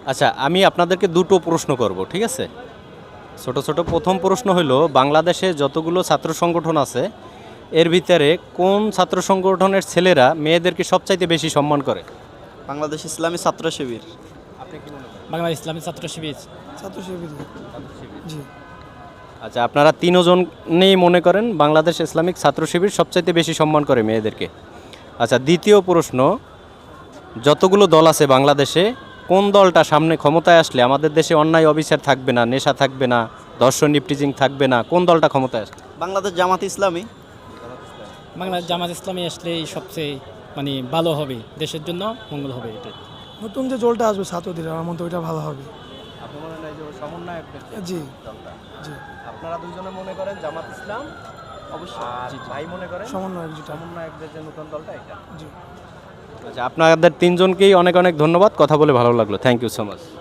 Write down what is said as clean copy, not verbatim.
আচ্ছা, আমি আপনাদেরকে দুটো প্রশ্ন করব, ঠিক আছে? ছোট ছোট প্রথম প্রশ্ন হলো, বাংলাদেশে যতগুলো ছাত্র সংগঠন আছে এর ভিতরে কোন ছাত্র সংগঠনের ছেলেরা মেয়েদেরকে সবচাইতে বেশি সম্মান করে? বাংলাদেশ ইসলামী ছাত্র শিবির। আপনি কি মনে করেন? বাংলাদেশ ইসলামী ছাত্র শিবির। ছাত্র শিবির। জি। আচ্ছা, আপনারা তিনজনেই মনে করেন বাংলাদেশ ইসলামিক ছাত্র শিবির সবচাইতে বেশি সম্মান করে মেয়েদেরকে। আচ্ছা, দ্বিতীয় প্রশ্ন, যতগুলো দল আছে বাংলাদেশে, কোন দলটা সামনে ক্ষমতায় আসলে আমাদের দেশে অন্যায় অবিচার থাকবে না, নেশা থাকবে না, ধর্ষণ নিপটিজিং থাকবে না, কোন দলটা ক্ষমতায় আসবে? বাংলাদেশ জামাত ইসলামী। বাংলাদেশ জামাত ইসলামী আসলেই সবচেয়ে মানে ভালো হবে, দেশের জন্য মঙ্গল হবে এটাই। নতুন যে জলটা আসবে ছাত্রদের আমার মতে ওইটা ভালো হবে। আপনি মনে হয় যে সমন্বয় জি দলটা, জি আপনারা দুইজনে মনে করেন জামাত ইসলাম, অবশ্যই ভাই মনে করেন সমন্বয় যেটা। সমন্বয়কদের যে নতুন দলটা এটা। জি। আচ্ছা, আপনাদের তিনজনকেই অনেক অনেক ধন্যবাদ, কথা বলে ভালো লাগলো, থ্যাংক ইউ সো মাচ।